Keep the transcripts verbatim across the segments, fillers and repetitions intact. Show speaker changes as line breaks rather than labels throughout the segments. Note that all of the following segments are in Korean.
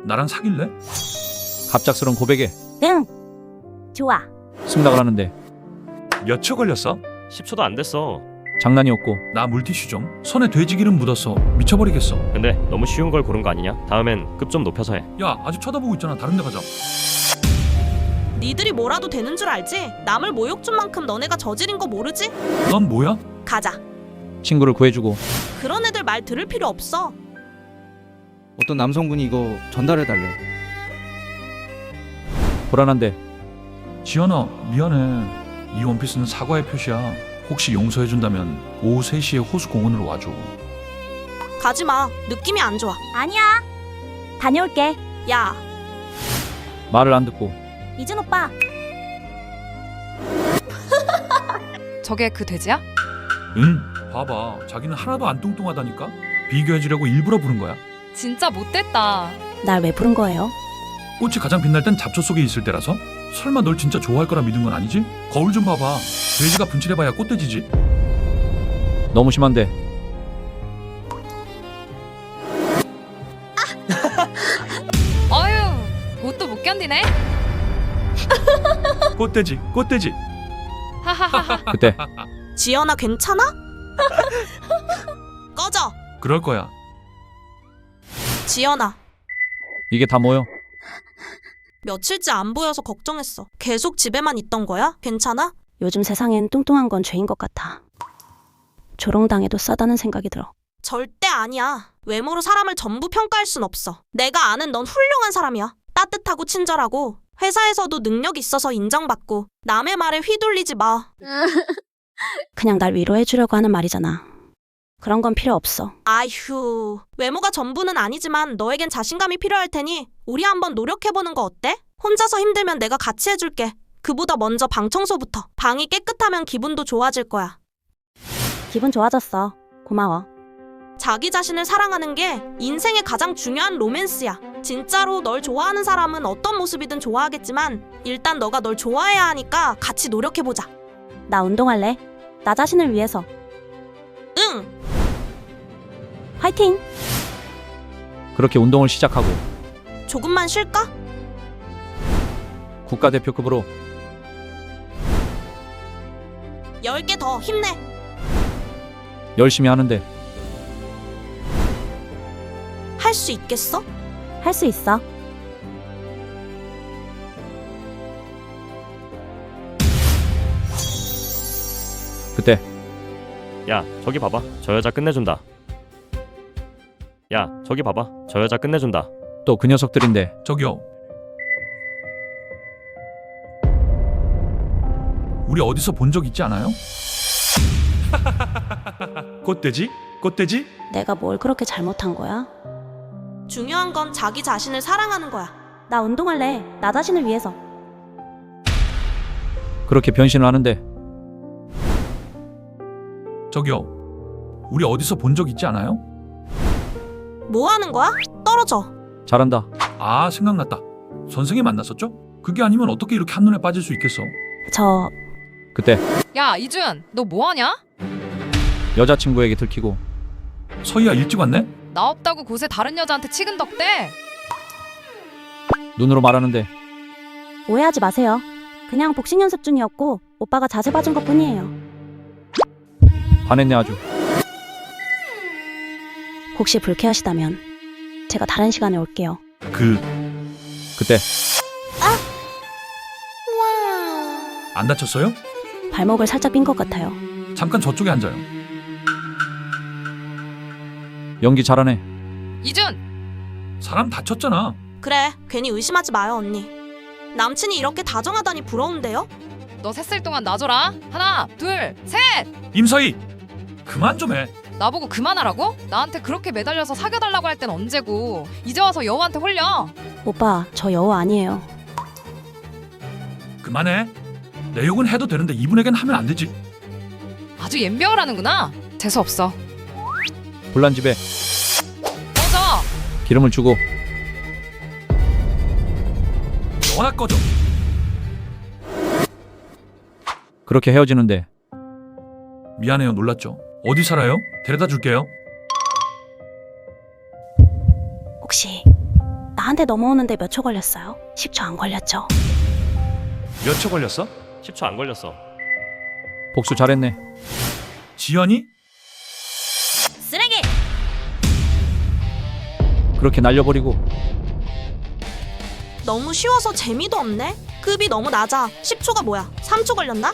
나랑 사귈래?
갑작스런 고백에
응. 좋아.
승낙을 하는데
몇 초 걸렸어?
십 초도 안 됐어.
장난이었고
나 물티슈 좀. 손에 돼지기름 묻었어. 미쳐버리겠어.
근데 너무 쉬운 걸 고른 거 아니냐? 다음엔 급 좀 높여서 해.
야, 아직 쳐다보고 있잖아. 다른 데 가자.
니들이 뭐라도 되는 줄 알지? 남을 모욕 준 만큼 너네가 저지른 거 모르지?
넌 뭐야?
가자.
친구를 구해주고
그런 애들 말 들을 필요 없어.
어떤 남성분이 이거 전달해달래.
불안한데
지연아, 미안해. 이 원피스는 사과의 표시야. 혹시 용서해준다면 오후 세 시에 호수공원으로 와줘.
가지 마. 느낌이 안 좋아.
아니야. 다녀올게.
야,
말을 안 듣고
이준 오빠.
저게 그 돼지야?
응? 봐봐. 자기는 하나도 안 뚱뚱하다니까? 비교해주려고 일부러 부른 거야.
진짜 못됐다.
날 왜 부른 거예요?
꽃이 가장 빛날 땐 잡초 속에 있을 때라서? 설마 널 진짜 좋아할 거라 믿은 건 아니지? 거울 좀 봐봐. 돼지가 분칠해봐야 꽃돼지지.
너무 심한데
어휴, 뭣도 못 견디네.
꽃돼지, 꽃돼지.
하하하하.
그때
지연아 괜찮아? 꺼져.
그럴 거야.
지연아,
이게 다 뭐여?
며칠째 안 보여서 걱정했어. 계속 집에만 있던 거야? 괜찮아?
요즘 세상엔 뚱뚱한 건 죄인 것 같아. 조롱당해도 싸다는 생각이 들어.
절대 아니야. 외모로 사람을 전부 평가할 순 없어. 내가 아는 넌 훌륭한 사람이야. 따뜻하고 친절하고 회사에서도 능력 있어서 인정받고 남의 말에 휘둘리지 마.
그냥 날 위로해주려고 하는 말이잖아. 그런 건 필요 없어.
아휴, 외모가 전부는 아니지만 너에겐 자신감이 필요할 테니 우리 한번 노력해보는 거 어때? 혼자서 힘들면 내가 같이 해줄게. 그보다 먼저 방 청소부터. 방이 깨끗하면 기분도 좋아질 거야.
기분 좋아졌어. 고마워.
자기 자신을 사랑하는 게 인생의 가장 중요한 로맨스야. 진짜로 널 좋아하는 사람은 어떤 모습이든 좋아하겠지만 일단 너가 널 좋아해야 하니까 같이 노력해보자.
나 운동할래. 나 자신을 위해서.
응!
화이팅!
그렇게 운동을 시작하고
조금만 쉴까?
국가대표급으로
열 개 더 힘내.
열심히 하는데
할 수 있겠어?
할 수 있어.
그때
야, 저기 봐봐. 저 여자 끝내준다. 야, 저기 봐봐. 저 여자 끝내준다.
또 그 녀석들인데
저기요. 우리 어디서 본 적 있지 않아요? 꽃돼지? 꽃돼지?
내가 뭘 그렇게 잘못한 거야?
중요한 건 자기 자신을 사랑하는 거야.
나 운동할래. 나 자신을 위해서.
그렇게 변신을 하는데
저기요. 우리 어디서 본 적 있지 않아요?
뭐 하는 거야? 떨어져.
잘한다.
아, 생각났다. 선생님 만났었죠? 그게 아니면 어떻게 이렇게 한눈에 빠질 수 있겠어?
저
그때
야, 이준, 너 뭐하냐?
여자친구에게 들키고
서희야, 일찍 왔네?
나 없다고 곳에 다른 여자한테 치근덕대.
눈으로 말하는데
오해하지 마세요. 그냥 복싱 연습 중이었고 오빠가 자세 봐준 것 뿐이에요.
반했네 아주.
혹시 불쾌하시다면 제가 다른 시간에 올게요.
그,
그때
안 다쳤어요?
발목을 살짝 삔 것 같아요.
잠깐 저쪽에 앉아요.
연기 잘하네.
이준,
사람 다쳤잖아.
그래, 괜히 의심하지 마요, 언니. 남친이 이렇게 다정하다니 부러운데요?
너 셋을 동안 놔줘라. 하나, 둘, 셋.
임서희! 그만 좀 해.
나보고 그만하라고? 나한테 그렇게 매달려서 사귀어달라고 할 땐 언제고. 이제 와서 여우한테 홀려.
오빠, 저 여우 아니에요.
그만해. 내 욕은 해도 되는데 이분에겐 하면 안 되지.
아주 연병을 하는구나. 재수없어.
불난 집에
꺼져.
기름을 주고
너나 꺼져.
그렇게 헤어지는데
미안해요, 놀랐죠? 어디 살아요? 데려다 줄게요.
혹시 나한테 넘어오는데 몇 초 걸렸어요? 십 초 안 걸렸죠?
몇 초 걸렸어?
십 초 안 걸렸어.
복수 잘했네.
지연이?
쓰레기!
그렇게 날려버리고
너무 쉬워서 재미도 없네. 급이 너무 낮아. 십 초가 뭐야? 삼 초 걸렸나?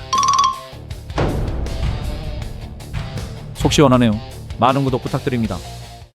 속 시원하네요. 많은 구독 부탁드립니다.